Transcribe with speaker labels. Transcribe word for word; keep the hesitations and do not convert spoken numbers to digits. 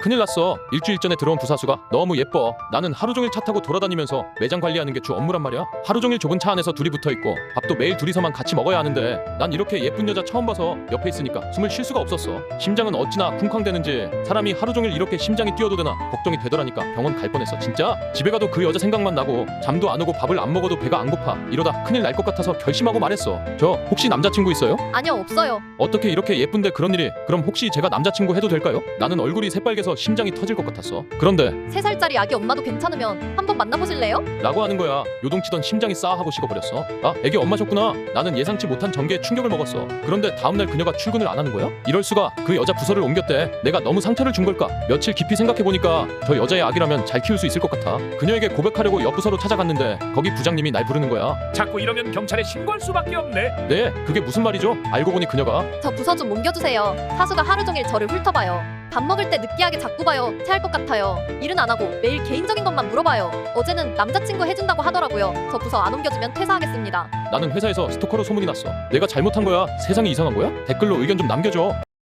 Speaker 1: 큰일 났어. 일주일 전에 들어온 부사수가 너무 예뻐. 나는 하루 종일 차 타고 돌아다니면서 매장 관리하는 게 주 업무란 말이야. 하루 종일 좁은 차 안에서 둘이 붙어 있고 밥도 매일 둘이서만 같이 먹어야 하는데 난 이렇게 예쁜 여자 처음 봐서 옆에 있으니까 숨을 쉴 수가 없었어. 심장은 어찌나 쿵쾅대는지 사람이 하루 종일 이렇게 심장이 뛰어도 되나 걱정이 되더라니까. 병원 갈 뻔했어 진짜. 집에 가도 그 여자 생각만 나고 잠도 안 오고 밥을 안 먹어도 배가 안 고파. 이러다 큰일 날 것 같아서 결심하고 말했어. 저 혹시 남자친구 있어요?
Speaker 2: 아니요, 없어요.
Speaker 1: 어떻게 이렇게 예쁜데 그런 일이. 그럼 혹시 제가 남자친구 해도 될까요? 나는 얼굴이 새빨개서 심장이 터질 것 같았어. 그런데
Speaker 2: 세 살짜리 아기 엄마도 괜찮으면 한번 만나보실래요?
Speaker 1: 라고 하는 거야. 요동치던 심장이 싸하고 식어버렸어. 아, 애기 엄마셨구나. 나는 예상치 못한 전개에 충격을 먹었어. 그런데 다음날 그녀가 출근을 안 하는 거야? 이럴 수가. 그 여자 부서를 옮겼대. 내가 너무 상처를 준 걸까? 며칠 깊이 생각해보니까 저 여자의 아기라면 잘 키울 수 있을 것 같아. 그녀에게 고백하려고 옆 부서로 찾아갔는데 거기 부장님이 날 부르는 거야.
Speaker 3: 자꾸 이러면 경찰에 신고할 수밖에 없네.
Speaker 1: 네, 그게 무슨 말이죠? 알고 보니 그녀가
Speaker 2: 저 부서 좀 옮겨주세요. 사수가 하루 종일 저를 훑어봐요. 밥 먹을 때 느끼하게 자꾸 봐요. 체할 것 같아요. 일은 안 하고 매일 개인적인 것만 물어봐요. 어제는 남자친구 해준다고 하더라고요. 저 부서 안 옮겨주면 퇴사하겠습니다.
Speaker 1: 나는 회사에서 스토커로 소문이 났어. 내가 잘못한 거야? 세상이 이상한 거야? 댓글로 의견 좀 남겨줘.